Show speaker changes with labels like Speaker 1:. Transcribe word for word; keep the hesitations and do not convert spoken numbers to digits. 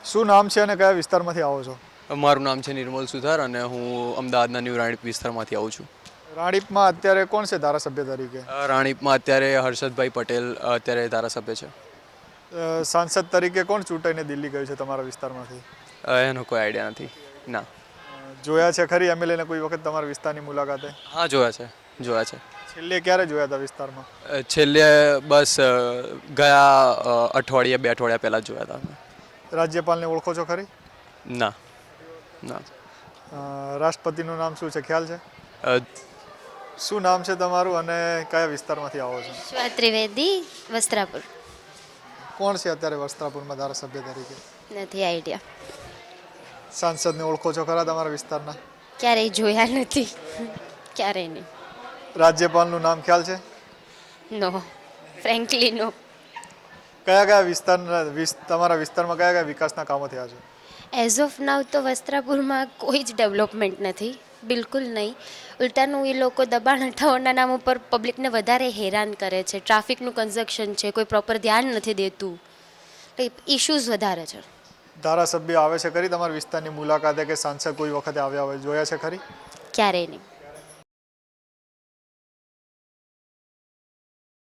Speaker 1: શું નામ છે અને કયા વિસ્તારમાંથી આવો છો?
Speaker 2: મારું નામ છે નિર્મલ સુથાર અને હું અમદાવાદના ન્યૂ રાણીપ વિસ્તારમાંથી આવું છું.
Speaker 1: રાણીપમાં અત્યારે કોણ છે ધારાસભ્ય તરીકે?
Speaker 2: અ, રાણીપમાં અત્યારે હર્ષદભાઈ પટેલ અત્યારે ધારાસભ્ય છે.
Speaker 1: અ, સાંસદ તરીકે કોણ ચૂંટાઈને દિલ્હી ગયું છે તમારા વિસ્તારમાંથી?
Speaker 2: અ, એનો કોઈ આઈડિયા નથી. ના.
Speaker 1: અ, જોયા છે ખરી એમએલએને કોઈ વખત તમારા વિસ્તારની મુલાકાતે?
Speaker 2: હા, જોયા છે જોયા છે.
Speaker 1: છેલ્લે ક્યારે જોયા હતા વિસ્તારમાં?
Speaker 2: અ, છેલ્લે બસ અ, ગયા અ, અઠવાડિયે બે અઠવાડિયા પહેલાં જ જોયા હતા અમે.
Speaker 1: રાજ્યપાલને ઓળખો છો ખરી?
Speaker 2: ના ના.
Speaker 1: અ, રાષ્ટ્રપતિનું નામ શું છે ખ્યાલ છે?
Speaker 2: અ,
Speaker 1: શું નામ છે તમારું અને કયા વિસ્તારમાંથી આવો છો?
Speaker 3: વિશ્વા ત્રિવેદી, વસ્ત્રાપુર.
Speaker 1: કોણ છે અત્યારે વસ્ત્રાપુરમાં ધારાસભ્ય તરીકે?
Speaker 3: નથી આઈડિયા.
Speaker 1: સાંસદને ઓળખો છો ખરા તમારા વિસ્તારના?
Speaker 3: ક્યારેય જોયા નથી. ક્યારેય નહીં.
Speaker 1: રાજ્યપાલનું નામ ખ્યાલ છે?
Speaker 3: No, frankly no.
Speaker 1: કયા કયા વિસ્તારના વિસ તમારા વિસ્તારમાં કયા કયા વિકાસના કામો થયા છે?
Speaker 3: એઝ ઓફ નાવ તો વસ્ત્રાપુરમાં કોઈ જ ડેવલપમેન્ટ નથી, બિલકુલ નહીં. ઉલટાનું એ લોકો દબાણ હટાવવાના નામ ઉપર પબ્લિકને વધારે હેરાન કરે છે. ટ્રાફિકનું કન્ઝક્શન છે, કોઈ પ્રોપર ધ્યાન નથી દેતું, ઇશ્યુઝ વધારે છે.
Speaker 1: ધારાસભ્ય આવે છે ખરી તમારા વિસ્તારની મુલાકાતે કે સાંસદ કોઈ વખતે આવ્યા હોય જોયા છે ખરી?
Speaker 3: ક્યારેય નહીં.